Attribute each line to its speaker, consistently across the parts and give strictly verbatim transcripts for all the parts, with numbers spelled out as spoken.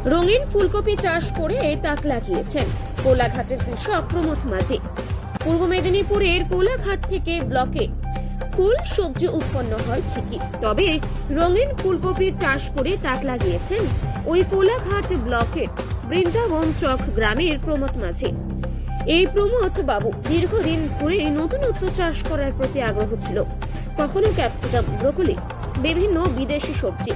Speaker 1: রঙিন ফুলকপি চাষ করে তাক লাগিয়েছেন কোলাঘাটের কৃষক প্রমথ মাঝি। পূর্ব মেদিনীপুরের কোলাঘাট থেকে ব্লকে ফুল সবজি উৎপন্ন হয় ঠিকই, তবে রঙিন ফুলকপির চাষ করে তাক লাগিয়েছেন ওই কোলাঘাট ব্লকের বৃন্দাবন চক গ্রামের প্রমথ মাঝি। এই প্রমথ বাবু দীর্ঘদিন ধরে নতুনত্ব চাষ করার প্রতি আগ্রহ ছিল। কখনো ক্যাপসিকাম, ব্রোকলি, বিভিন্ন বিদেশি সবজি,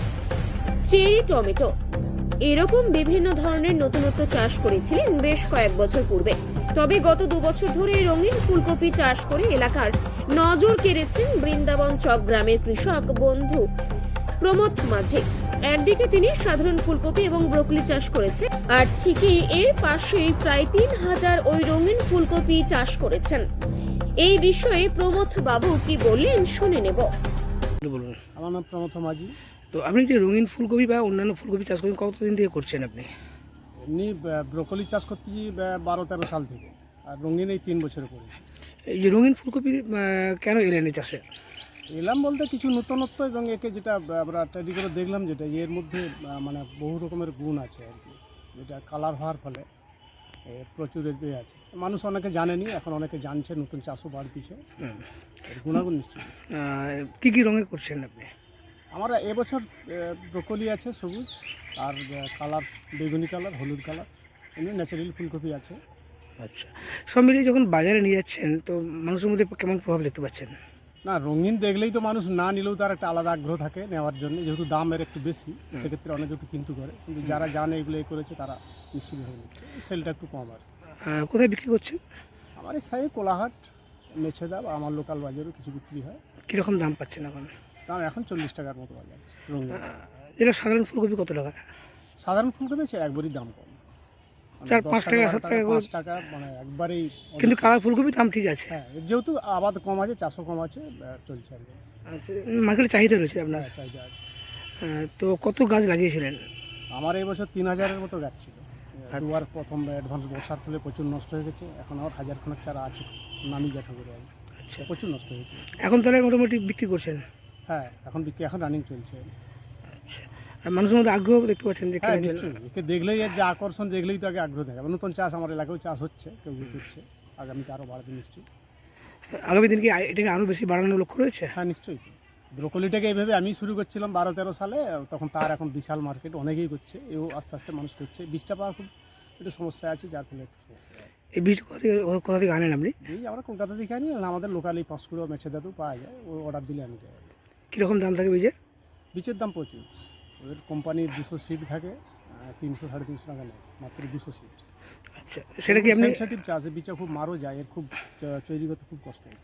Speaker 1: চেরি, টমেটো, এরকম বিভিন্ন ধরনের নতুনত্ব চাষ করেছিলেন বেশ কয়েক বছর পূর্বে। তবে গত দু বছর ধরে রঙিন ফুলকপি চাষ করে এলাকার নজর কেড়েছেন বৃন্দাবন চক গ্রামের কৃষক বন্ধু প্রমথ মাঝি। একদিকে তিনি সাধারণ ফুলকপি এবং ব্রোকলি চাষ করেছেন, আর ঠিকই এর পাশেই প্রায় তিন হাজার ওই রঙিন ফুলকপি চাষ করেছেন। এই বিষয়ে প্রমথ বাবু কি বললেন শুনে নেব।
Speaker 2: বলুন।
Speaker 3: আমার নাম প্রমথ মাঝি।
Speaker 2: তো আপনি যে রঙিন ফুলকপি বা অন্যান্য ফুলকপি চাষ করেন কতদিন থেকে করছেন আপনি?
Speaker 3: এমনি ব্রোকলি চাষ করতেছি বারো তেরো সাল থেকে, আর রঙিন এই তিন বছরে করেছি।
Speaker 2: এই যে রঙিন ফুলকপি কেন এলেন এই চাষে?
Speaker 3: এলাম বলতে কিছু নতুনত্ব, এবং একে যেটা আমরা তৈরি করে দেখলাম যেটা এর মধ্যে মানে বহু রকমের গুণ আছে আর কি, যেটা কালার হওয়ার ফলে প্রচুর এ আছে। মানুষ অনেকে জানেনি, এখন অনেকে জানছে, নতুন চাষও বাড়তিছে, গুণাগুণ নিশ্চয়ই।
Speaker 2: কী কী রঙের করছেন আপনি?
Speaker 3: আমার এবছর ব্রোকলি আছে সবুজ, আর কালার বেগুনি কালার, হলুদ কালার, এমনি ন্যাচারাল ফুলকপি আছে।
Speaker 2: আচ্ছা, সব মিলিয়ে যখন বাজারে নিয়ে যাচ্ছেন তো মানুষের মধ্যে কেমন প্রভাব দেখতে পাচ্ছেন?
Speaker 3: না, রঙিন দেখলেই তো মানুষ না নিলেও তার একটা আলাদা আগ্রহ থাকে নেওয়ার জন্য, যেহেতু দামের একটু বেশি, সেক্ষেত্রে অনেকে একটু কিন্তু করে, কিন্তু যারা জানে এগুলো এ করেছে তারা নিশ্চিতভাবে নিচ্ছে, সেলটা একটু কম আর।
Speaker 2: কোথায় বিক্রি করছেন?
Speaker 3: আমার এই সাইডে কোলাহাট, মেছেদা বা আমার লোকাল বাজারেও কিছু বিক্রি হয়।
Speaker 2: কীরকম দাম পাচ্ছেন এখন?
Speaker 3: দাম এখন চল্লিশ টাকার মতো বাজার রঙিন।
Speaker 2: যেটা সাধারণ ফুলকপি কত টাকা?
Speaker 3: সাধারণ ফুলকপি আছে একবারই দাম কম,
Speaker 2: চার পাঁচ টাকা সাত টাকা
Speaker 3: পাঁচ টাকা মানে একবারেই।
Speaker 2: কিন্তু কালার ফুলকপি দাম ঠিক আছে।
Speaker 3: হ্যাঁ, যেহেতু আবাদ কম আছে, চাষও কম আছে, চলছে আর কি।
Speaker 2: আচ্ছা, মার্কেটে চাহিদা রয়েছে আপনার?
Speaker 3: চাহিদা আছে।
Speaker 2: তো কত গাছ লাগিয়েছিলেন?
Speaker 3: আমার এই বছর তিন হাজারের মতো গাছ ছিল। দুবার প্রথম অ্যাডভান্স বর্ষার ফলে প্রচুর নষ্ট হয়ে গেছে, এখন আমার হাজার খানেক চারা আছে নামি জ্যাঠা করে। আচ্ছা, প্রচুর নষ্ট হয়েছে।
Speaker 2: এখন তাহলে মোটামুটি বিক্রি করছেন?
Speaker 3: হ্যাঁ, এখন বিক্রি এখন রানিং চলছে।
Speaker 2: আচ্ছা, আর মানুষের মধ্যে আগ্রহ দেখতে পাচ্ছেন যে?
Speaker 3: হ্যাঁ, নিশ্চয়ই। একে দেখলেই এর যে আকর্ষণ, দেখলেই তো আগে আগ্রহ থাকে। নতুন চাষ আমার এলাকায় চাষ হচ্ছে, কেউ কেউ করছে, আগামীতে আরও বাড়বে নিশ্চয়ই।
Speaker 2: আগামী দিন কি এটাকে আরও বেশি বাড়ানোর লক্ষ্য রয়েছে?
Speaker 3: হ্যাঁ, নিশ্চয়ই। ব্রোকলিটাকে এইভাবে আমি শুরু করছিলাম বারো তেরো সালে, তখন তার এখন বিশাল মার্কেট, অনেকেই করছে, এও আস্তে আস্তে মানুষ করছে। বীজটা পাওয়া খুব একটু সমস্যা আছে, যার ফলে একটু সমস্যা।
Speaker 2: এই বীজ কোথা থেকে কোথা থেকে আনেন আপনি?
Speaker 3: এই আমরা কলকাতা থেকে আনি, আমাদের লোকালি পাঁচকুড়ো মেছেদাতেও পাওয়া যায়, ও অর্ডার দিলে আমি যাই।
Speaker 2: কীরকম দাম থাকে বীজের?
Speaker 3: বীজের দাম প্রচুর, ওদের কোম্পানির দুশো সিট থাকে, তিনশো সাড়ে তিনশো টাকা নেয় মাত্র দুশো সিট।
Speaker 2: আচ্ছা, সেটা কি আপনি
Speaker 3: সেন্সিটিভ চাষ, বীজটা খুব মারও যায়, এর খুব তৈরি করতে খুব কষ্ট হয়।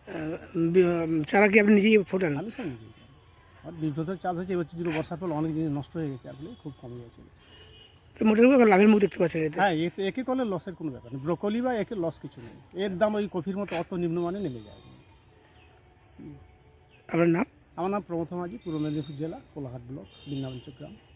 Speaker 2: চারা কি আপনি নিজেই ফোটান?
Speaker 3: আমি সব নিজেই যাই। আর বিভ্রতর চাষ হচ্ছে এবছর যদি বর্ষার ফলে অনেক জিনিস নষ্ট হয়ে গেছে, আসলে খুব কমে গেছে।
Speaker 2: মোটামুটি লাভের মুখ দেখতে পাচ্ছেন?
Speaker 3: হ্যাঁ, এতে একে করলে লসের কোনো ব্যাপার নেই। ব্রোকলি বা একে লস কিছু নেই, এর দাম ওই কফির মতো অত নিম্নমানে নেমে যায়।
Speaker 2: আপনার নাম?
Speaker 3: আমার নাম প্রমথ মাঝি, পূর্ব মেদিনীপুর জেলা, কোলাঘাট ব্লক, বৃন্দাবন চক গ্রাম।